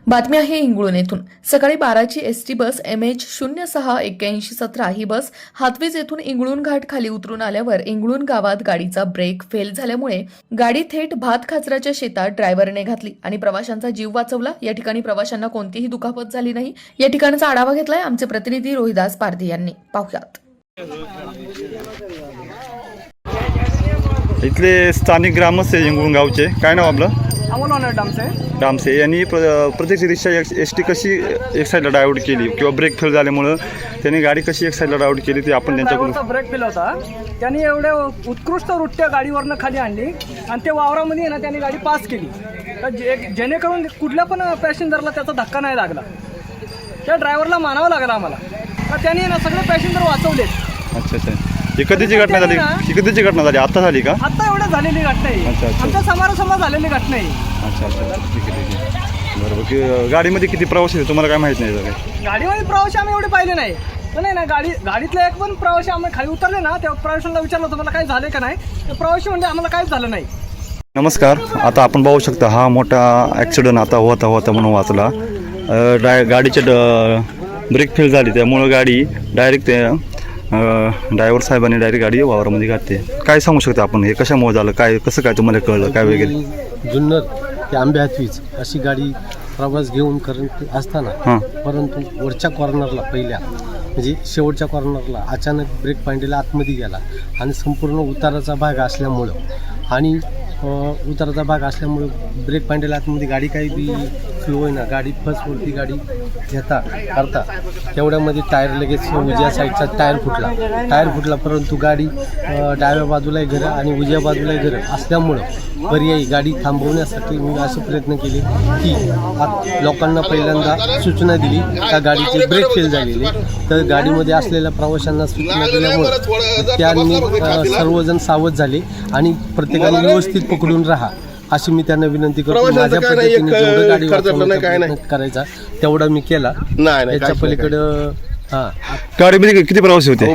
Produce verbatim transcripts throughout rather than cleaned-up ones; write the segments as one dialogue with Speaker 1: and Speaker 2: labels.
Speaker 1: बातमी आहे इंगळूण येथून। सकाळी बाराची एसटी बस एम एच शून्य सहा एक्क्याऐंशी सतरा ही बस हातवीज येथून इंगळूण घाट खाली उतरून आल्यावर इंगळूण गावात गाडीचा ब्रेक फेल झाल्यामुळे गाडी थेट भात खाचराच्या शेतात ड्रायव्हरने घातली आणि प्रवाशांचा जीव वाचवला। या ठिकाणी प्रवाशांना कोणतीही दुखापत झाली नाही। या ठिकाणाचा आढावा घेतलाय आमचे प्रतिनिधी रोहिदास पारधी यांनी। पाहुयात।
Speaker 2: इथले स्थानिक ग्रामस्थ इंगळूण गावचे, काय नाव आपलं?
Speaker 3: अमोल डामसे
Speaker 2: डामसे यांनी प्रत्यक्ष रिक्षा एस टी कशी एक साईडला डायव्हर्ट केली किंवा ब्रेक फेल झाल्यामुळं त्यांनी गाडी कशी एक साईडला डायव्हर्ट केली ते आपण त्यांच्याकडून।
Speaker 3: ब्रेक फेल होता, त्यांनी एवढे उत्कृष्ट रूट्या गाडीवरनं खाली आणली आणि ते वावरामध्ये ना त्यांनी गाडी पास केली तर जे जेणेकरून कुठल्या पण पॅसेंजरला त्याचा धक्का नाही लागला। त्या ड्रायव्हरला मानावं लागलं आम्हाला, तर त्यांनी ना सगळे पॅसेंजर वाचवले।
Speaker 2: अच्छा अच्छा, ही कधीची घटना झाली? ही कधीची घटना झाली? आता झाली का?
Speaker 3: आता एवढं झालेली घटना आहे।
Speaker 2: अच्छा अच्छा,
Speaker 3: आमच्या समोरासमोर झालेली घटना आहे।
Speaker 2: अच्छा अच्छा, ठीक आहे ठीक आहे, बरोबर। की गाडीमध्ये किती प्रवासी आहे तुम्हाला काय माहित नाही? सगळे
Speaker 3: गाडीमध्ये प्रवासी आम्ही एवढे पाहिले नाही, पण नाही ना गाडी गाडीतला एक पण प्रवासी आम्ही खाली उतरले ना, त्या प्रवाशांना विचारलं होतं मला काय झालं का नाही, तर प्रवासी म्हणजे आम्हाला काहीच झालं नाही।
Speaker 2: नमस्कार, आता आपण पाहू शकता हा मोठा ॲक्सिडेंट आता होता होता म्हणून वाचला। डाय गाडीचे ब्रेक फेल झाली त्यामुळं गाडी डायरेक्ट ते ड्रायव्हर साहेबांनी डायरेक्ट गाडी वावरामध्ये घातली। काय सांगू शकता आपण, हे कशामुळे झालं, काय कसं काय तुम्हाला कळलं काय वगैरे?
Speaker 4: जुन्नर ते आंबे हातवीज अशी गाडी प्रवास घेऊन करत असताना
Speaker 2: हां,
Speaker 4: परंतु वरच्या कॉर्नरला पहिल्या म्हणजे शेवटच्या कॉर्नरला अचानक ब्रेक पांडीला आतमध्ये गेला आणि संपूर्ण उताराचा भाग असल्यामुळं आणि उताराचा भाग असल्यामुळं ब्रेक पांडीला आतमध्ये गाडी काही बी फ्लो आहे ना, गाडी फर्स्ट वरती गाडी घेता करता तेवढ्यामध्ये टायर लगेच उजव्या साईडचा टायर फुटला टायर फुटला परंतु गाडी डाव्या बाजूलाही घरं आणि उजव्या बाजूलाही घरं असल्यामुळं पर्यायी गाडी थांबवण्यासाठी मी असे प्रयत्न केले की लोकांना पहिल्यांदा सूचना दिली का गाडीचे ब्रेक फेल झालेले, तर गाडीमध्ये असलेल्या प्रवाशांना सूचना दिल्यामुळं त्यांनी सर्वजण सावध झाले आणि प्रत्येकाने व्यवस्थित पकडून राहा अशी मी त्यांना विनंती करतो। माझ्या पद्धतीने जेवढं गाडी वाचवण्याचा करायचा तेवढा मी केला। त्याच्या पलीकडं हा
Speaker 2: गाडीमध्ये किती प्रवासी होते?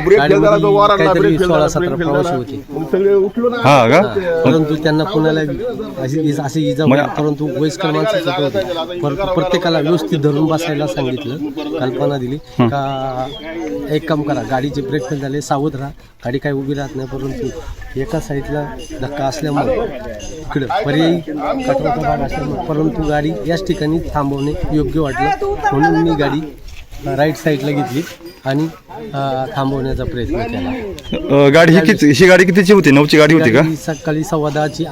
Speaker 4: काहीतरी सोळा सतरा प्रवासी होते।
Speaker 2: हा का?
Speaker 4: परंतु त्यांना कोणाला अशी अशी इजा होईल, परंतु वयस्कर माणसाचं होते। प्रत्येकाला व्यवस्थित धरून बसायला सांगितलं, कल्पना दिली का एक काम करा, गाडीचे ब्रेक फेल झाले सावध राहा, गाडी काही उभी राहत नाही, परंतु एका साईडला धक्का असल्यामुळे इकडं पर्यायी कचऱ्याचा भाग असल्यामुळे परंतु गाडी याच ठिकाणी थांबवणे योग्य वाटलं म्हणून मी गाडी राईट साईडला घेतली आणि थांबवण्याचा प्रयत्न केला।
Speaker 2: गाडी ही किती ही गाडी कितीची होती? नऊची गाडी होती का?
Speaker 4: सकाळी सव्वा दहाची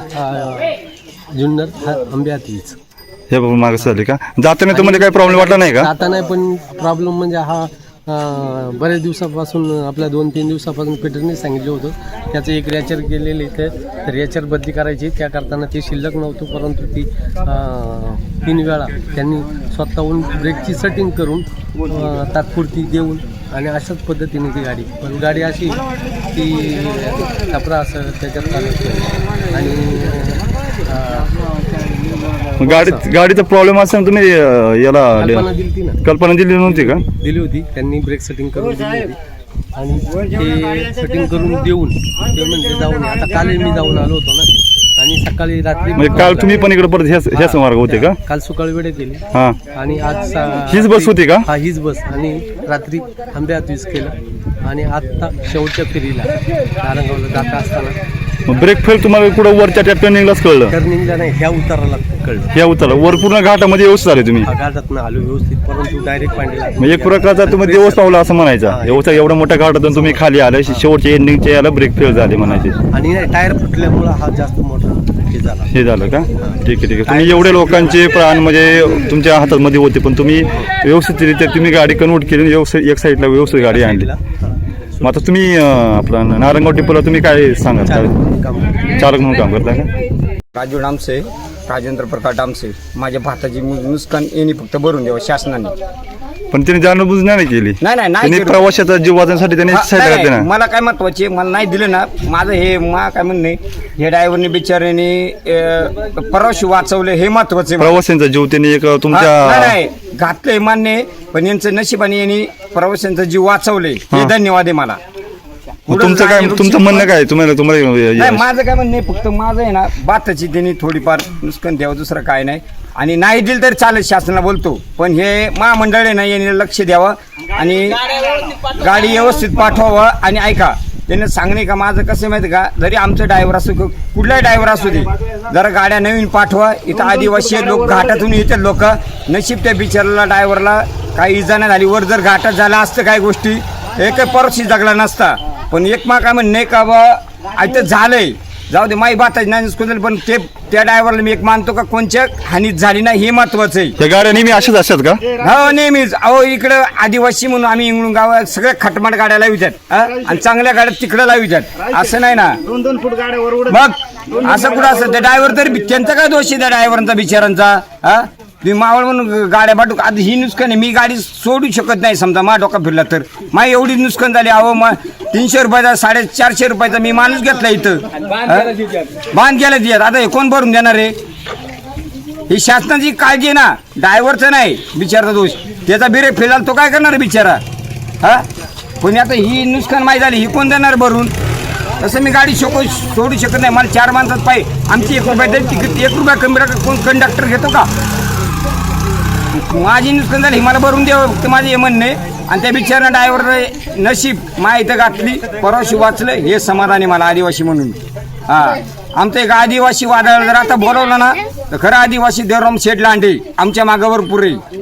Speaker 4: जुन्नर आंबे हातवीज
Speaker 2: हे बाबा मागं झाली का? जाताना तुम्हाला काही प्रॉब्लेम वाटला नाही का?
Speaker 4: जाता नाही, पण प्रॉब्लेम म्हणजे हा बऱ्याच दिवसापासून आपल्या दोन तीन दिवसापासून पीटरने सांगितलं होतं त्याचं एक रॅचर केलेलं इथं रॅचर बदली करायची, त्या करताना ते शिल्लक नव्हतं, परंतु ती तीन वेळा त्यांनी स्वतःहून ब्रेकची सेटिंग करून तात्पुरती देऊन आणि अशाच पद्धतीने ती गाडी पण गाडी अशी ती कपडा असं त्याच्यात चालत आणि
Speaker 2: गाडीत गाडीचा प्रॉब्लेम असताना तुम्ही याला
Speaker 4: कल्पना दिली ना
Speaker 2: कल्पना दिली नव्हती का?
Speaker 4: दिली होती, त्यांनी ब्रेक सेटिंग करून दिली होती आणि ते सेटिंग करून देऊन ते म्हणजे जाऊन आता काल मी जाऊन आलो होतो ना आणि सकाळी रात्री
Speaker 2: म्हणजे काल तुम्ही पण इकडे परत ह्याच ह्याच मार्ग होते का?
Speaker 4: काल सकाळी वेळेत गेली
Speaker 2: हा,
Speaker 4: आणि आज
Speaker 2: हीच बस होती का?
Speaker 4: हा हीच बस आणि रात्री आंबे हातवीज केलं आणि आता शेवटच्या फेरीला नारंगावला जाता असताना
Speaker 2: ब्रेक फेल तुम्हाला कुठं वरच्या त्या टर्निंगलाच कळलं?
Speaker 4: टर्निंगला नाही, ह्या उताराला कळलं।
Speaker 2: ह्या उतारा वर पूर्ण घाटामध्ये व्यवस्थित आले तुम्ही?
Speaker 4: घाटात आलो व्यवस्थित, परंतु डायरेक्ट पांडीला
Speaker 2: म्हणजे एक प्रकारचा तुम्ही दिवस पावला असं म्हणायचा। एवढा एवढा मोठ्या घाटातून तुम्ही खाली आले, शेवटच्या एंडिंगच्या याला ब्रेक फेल झाले म्हणायचे
Speaker 4: आणि टायर फुटल्यामुळे हा जास्त मोठा हे झाला
Speaker 2: हे झालं का? ठीक आहे ठीक आहे। तुम्ही एवढे लोकांचे प्राण म्हणजे तुमच्या हातामध्ये होते, पण तुम्ही व्यवस्थितरित्या तुम्ही गाडी कन्वर्ट केली, व्यवस्थित एक साईडला व्यवस्थित गाडी आणली। मग आता तुम्ही आपला नारंगाव टिपूला तुम्ही काय सांगाल? चालक म्हणून काम करता का?
Speaker 5: राजू डामसे, राजेंद्र प्रकाश डामसे, माझ्या भाताची नुकसान यांनी फक्त भरून द्यावं शासनाने।
Speaker 2: पण त्यांनी जाणूनबुजून नाही केली?
Speaker 5: नाही नाही
Speaker 2: त्यांनी
Speaker 5: नाही,
Speaker 2: प्रवाशाचा जीव वाचण्यासाठी त्यांनी
Speaker 5: हा,
Speaker 2: साईड
Speaker 5: नाही,
Speaker 2: घातली ना?
Speaker 5: मला काय महत्वाचे मला नाही दिलं ना, माझं हे मा काय म्हणणे हे ड्रायव्हरने बिचाऱ्याने प्रवासी वाचवले हे महत्वाचे।
Speaker 2: प्रवाशांचा जीव त्यांनी एक तुमच्या
Speaker 5: नाही घातलंय मान्य, पण यांचं नशिबाने यांनी प्रवाशांचा जीव वाचवले हे धन्यवाद आहे मला।
Speaker 2: तुमचं काय तुमचं म्हणणं काय तुम्हाला तुम्हाला
Speaker 5: नाही माझं काय म्हणणं फक्त माझं आहे ना बाताची त्यांनी थोडीफार नुकसान द्यावं, दुसरं काय नाही। आणि नाही दिलं तरी चालेल, शासनाला बोलतो, पण हे महामंडळ नाही यांनी लक्ष द्यावं आणि गाडी व्यवस्थित पाठवावं. आणि ऐका, त्यांना सांगणे का माझं कसं माहिती का, जरी आमचं ड्रायव्हर असो कुठलाही ड्रायव्हर असू दे, जरा गाड्या नवीन पाठवा. इथं आदिवासी लोक घाटातून येतात लोक, नशीब त्या बिचाराला ड्रायव्हरला काही इजा नाही झाली. वर जर घाटात झाला असतं काही गोष्टी एक परशी जगला नसता. पण एक मा काय म्हणणे का बा इथं झालंय, जाऊ दे माही बाताच नाही, पण ते त्या ड्रायव्हरला मी एक मानतो का कोणत्या हानीत झाली नाही हे महत्वाचं आहे.
Speaker 2: त्या गाड्या नेहमी अशाच असतात का?
Speaker 5: हो नेहमीच. अहो इकडं आदिवासी म्हणून आम्ही इंगळून गावात सगळ्या खटमट गाड्या लावितात आणि चांगल्या गाड्या तिकडे लावितात, असं नाही ना.
Speaker 6: दोन दोन फूट गाड्यावर
Speaker 5: मग असं कुठं असतं? त्या ड्रायव्हर तरी त्यांचा काय दोष आहे त्या ड्रायव्हरचा बिचारांचा? हा तुम्ही मावळ म्हणून गाड्या पाठवू, आता ही नुकसान आहे, मी गाडी सोडू शकत नाही. समजा मा डोका फिरला तर मा एवढी नुकसान झाली. अहो मग तीनशे रुपयाचा साडे चारशे रुपयाचा मी माणूस घेतला इथं, बांध गेला तिच्यात. आता हे कोण भरून देणार आहे? ही शासनाची काळजी आहे ना, ड्रायव्हरचं नाही बिचाराचा दोष. त्याचा बिरे फिरला तो काय करणार बिचारा? हा पण आता ही नुकसान माहीत झाली, ही कोण देणार भरून? तसं मी गाडी शोकू सोडू शकत नाही. मला चार माणसात पाहिजे, आमची एक रुपया तिकीट एक रुपया कमी राखा, कोण कंडक्टर घेतो का? माझी नुकसान झाली मला भरून द्यावं ते माझे हे म्हणणे. आणि त्या बिचारा ड्रायव्हर नशीब मा इथं घातली, परवाशी वाचलं हे समाधान आहे मला आदिवासी म्हणून. हा आमचं एक आदिवासी वादळ जर आता बोलवलं ना तर खरं आदिवासी देवराम शेठ लांडे आमच्या मागावर पुरे